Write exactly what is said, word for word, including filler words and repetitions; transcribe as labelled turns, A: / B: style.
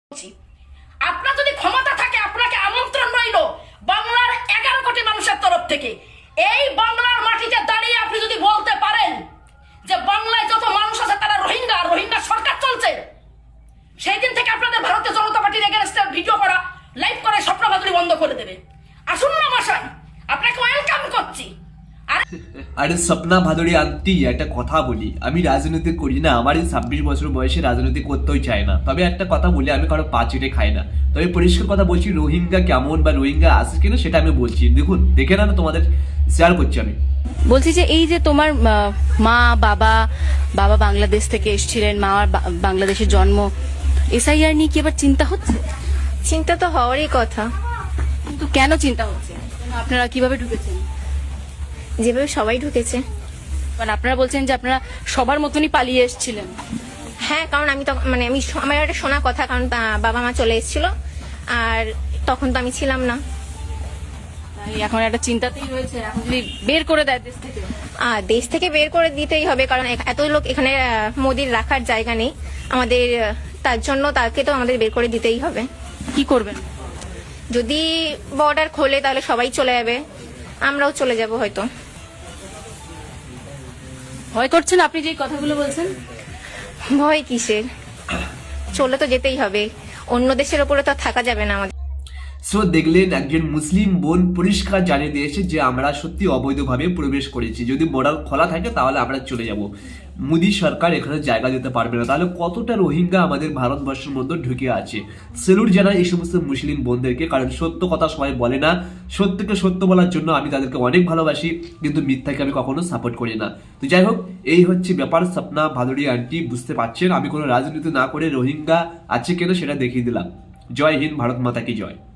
A: আপনার যদি ক্ষমতা থাকে আপনাকে আমন্ত্রণ রইল বাংলার এগারো কোটি মানুষের তরফ থেকে এই বাংলার মাটিতে দাঁড়িয়ে আপনি যদি বলতে পারেন যে বাংলায় যত মানুষ আছে তারা রোহিঙ্গা রোহিঙ্গা সরকার চলছে, সেই দিন থেকে আপনাদের ভারতীয় জনতা পার্টির এগেনস্টে ভিডিও করা লাইভ করে স্বপ্ন বাদুড়ি বন্ধ করে দেবে। আসুন না মশাই, আপনাকে ওয়েলকাম করছি।
B: আরে স্বপ্না ভাদুড়ি আন্টি, একটা কথা বলি, আমি রাজনীতি করি না, আমার এই ছাব্বিশ বছর বয়সে রাজনীতি করতেও চাই না। তবে একটা কথা বলি, আমি কারো পা চিটে খাই না। তবে পরিষ্কার কথা বলছি, রোহিঙ্গা কেমন বা রোহিঙ্গা আসে কিনা সেটা আমি বলছি। দেখুন, দেখে না তোমাদের শেয়ার করছি আমি।
C: বলছি যে এই যে তোমার মা বাবা বাবা বাংলাদেশ থেকে এসেছিলেন, মা বাংলাদেশের জন্ম, এসআইআর নিয়ে কি এবার চিন্তা হচ্ছে?
D: চিন্তা তো হওয়ারই কথা,
C: কিন্তু কেন চিন্তা হচ্ছে? আপনারা কিভাবে ঢুকেছেন?
D: যেভাবে সবাই ঢুকেছে।
C: মানে আপনারা বলছেন যে আপনারা সবার মতনই পালিয়ে এসেছিলেন।
D: হ্যাঁ, কারণ আমি তো মানে আমি আমার একটা শোনা কথা, কারণ বাবা মা চলে এসেছিল আর তখন তো আমি ছিলাম না।
C: এখন একটা চিন্তাতেই রয়েছে, এখন যদি বের করে দেয় দেশ থেকে।
D: আর দেশ থেকে বের করে দিতেই হবে, কারণ এত লোক এখানে মোদির রাখার জায়গা নেই আমাদের, তার জন্য তাকে তো আমাদের বের করে দিতেই হবে।
C: কি করবেন?
D: যদি বর্ডার খোলে তাহলে সবাই চলে যাবে, আমরাও চলে যাব হয়তো।
C: ভয় করছেন আপনি যে কথাগুলো বলছেন?
D: ভয় কিসের, চলে তো যেতেই হবে, অন্য দেশের উপরে তো থাকা যাবে না আমাদের।
B: সো দেখলেন, একজন মুসলিম বোন পরিষ্কার জানিয়ে দিয়েছে যে আমরা সত্যি অবৈধভাবে প্রবেশ করেছি, যদি বর্ডার খোলা থাকে তাহলে আমরা চলে যাব। মোদী সরকার এখানে জায়গা দিতে পারবে না। তাহলে কতটা রোহিঙ্গা আমাদের ভারতবর্ষের মধ্যে ঢুকে আছে। সেলুট জানাই এই সমস্ত মুসলিম বোনদেরকে, কারণ সত্য কথা সবাই বলে না। সত্যকে সত্য বলার জন্য আমি তাদেরকে অনেক ভালোবাসি, কিন্তু মিথ্যাকে আমি কখনো সাপোর্ট করি না। তো যাই হোক, এই হচ্ছে ব্যাপার। স্বপ্না ভাদুড়ি আন্টি, বুঝতে পারছেন আমি কোনো রাজনীতি না করে রোহিঙ্গা আছে কেন সেটা দেখিয়ে দিলাম। জয় হিন্দ, ভারত মাতা কি জয়।